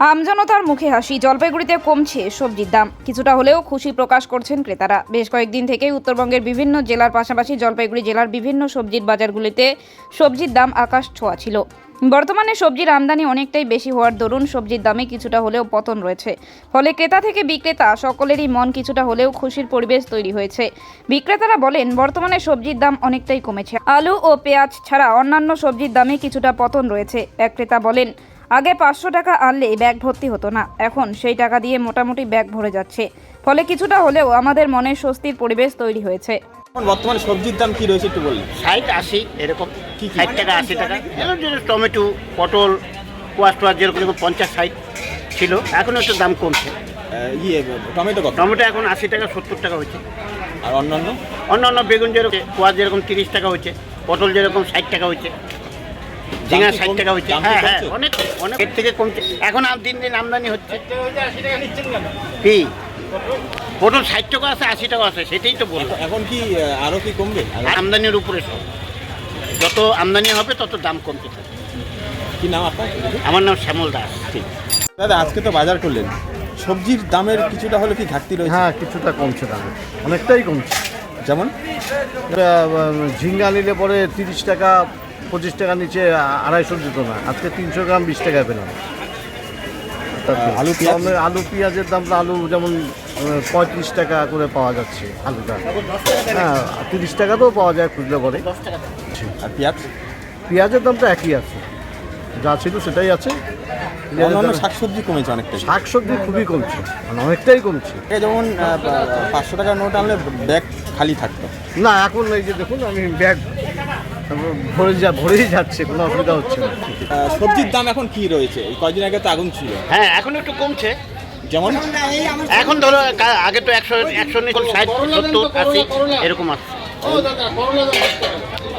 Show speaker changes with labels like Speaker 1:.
Speaker 1: আমজনতার মুখে হাসি। জলপাইগুড়িতে কমছে সবজির দাম, কিছুটা হলেও খুশি প্রকাশ করছেন ক্রেতারা। বেশ কয়েকদিন থেকেই উত্তরবঙ্গের বিভিন্ন জেলার পাশাপাশি জলপাইগুড়ি জেলার বিভিন্ন সবজির বাজারগুলিতে সবজির দাম আকাশ ছোঁয়া ছিল। বর্তমানে সবজির আমদানি অনেকটাই বেশি হওয়ার দরুন সবজির দামে কিছুটা হলেও পতন রয়েছে। ফলে ক্রেতা থেকে বিক্রেতা সকলেরই মন কিছুটা হলেও খুশির পরিবেশ তৈরি হয়েছে। বিক্রেতারা বলেন, বর্তমানে সবজির দাম অনেকটাই কমেছে। আলু ও পেঁয়াজ ছাড়া অন্যান্য সবজির দামে কিছুটা পতন রয়েছে। এক ক্রেতা বলেন, আগে 500 টাকা আনলে ব্যাগ ভর্তি হতো না, এখন সেই টাকা দিয়ে মোটামুটি ব্যাগ ভরে যাচ্ছে। ফলে কিছুটা হলেও আমাদের মনে স্বস্তির পরিবেশ তৈরি হয়েছে।
Speaker 2: বর্তমানে সবজির দাম কি রয়েছে একটু বলুন।
Speaker 3: 60-80 এরকম, 60 টাকা 80 টাকা। যেরকম টমেটো, পটল, কোয়াশ টোয়াশ যেরকম 50-60 ছিল, এখন একটু দাম কমছে।
Speaker 2: টমেটো কত?
Speaker 3: টমেটো এখন 80 টাকা 70 টাকা হচ্ছে।
Speaker 2: আর অন্যান্য
Speaker 3: অন্যান্য বেগুন যেরকম, কোয়াশ যেরকম 30 টাকা হচ্ছে, পটল যেরকম 60 টাকা হচ্ছে, ঝিঙা 60 টাকা হচ্ছে। হ্যাঁ হ্যাঁ, অনেক অনেক এর থেকে কমছে। এখন আর দিন দিন আমদানি হচ্ছে। কি পটল 60 টাকা আছে, 80 টাকা আছে, সেটাই তো বলবো।
Speaker 2: এখন কি আরো কি কমবে?
Speaker 3: আমদানির উপরে সব, যত আমদানি হবে তত দাম কমতে থাকে।
Speaker 2: কি নাম আপনার?
Speaker 3: আমার নাম শ্যামল দাস।
Speaker 2: ঠিক দাদা, আজকে তো বাজার করলেন, সবজির দামের কিছুটা হলে কি ঘাটতি রয়েছে?
Speaker 4: হ্যাঁ, কিছুটা কমছে দাম, অনেকটাই কমছে।
Speaker 2: যেমন
Speaker 4: ঝিঙ্গা নিলে পরে 30 টাকা 25 টাকা নিচে 250 দিত না, আজকে 300 গ্রাম 20 টাকায় পেলাম।
Speaker 2: আলু পেঁয়াজ?
Speaker 4: আলু পেঁয়াজের দামটা, আলু যেমন 35 টাকা করে পাওয়া যাচ্ছে আলুটা। হ্যাঁ, 30 টাকাতেও পাওয়া যায় খুঁজলে পরে।
Speaker 2: আর পেঁয়াজ?
Speaker 4: পেঁয়াজের দামটা একই আছে, যা ছিল সেটাই আছে।
Speaker 2: অন্যান্য শাকসবজি কমেছে অনেকটাই।
Speaker 4: শাকসবজি খুবই কমছে, মানে অনেকটাই কমছে।
Speaker 2: যেমন 500 টাকার নোট আনলে ব্যাগ খালি থাকতো।
Speaker 4: না, এখন এই যে দেখুন, আমি ব্যাগ ভরেই যাচ্ছে, কোনো অসুবিধা হচ্ছে না।
Speaker 2: সবজির দাম এখন কি রয়েছে? এই কয়েকদিন আগে তো আগুন ছিল।
Speaker 3: হ্যাঁ, এখন একটু কমছে।
Speaker 2: যেমন
Speaker 3: এখন ধরো আগে তো 100 60 70 80 এরকম আসছে।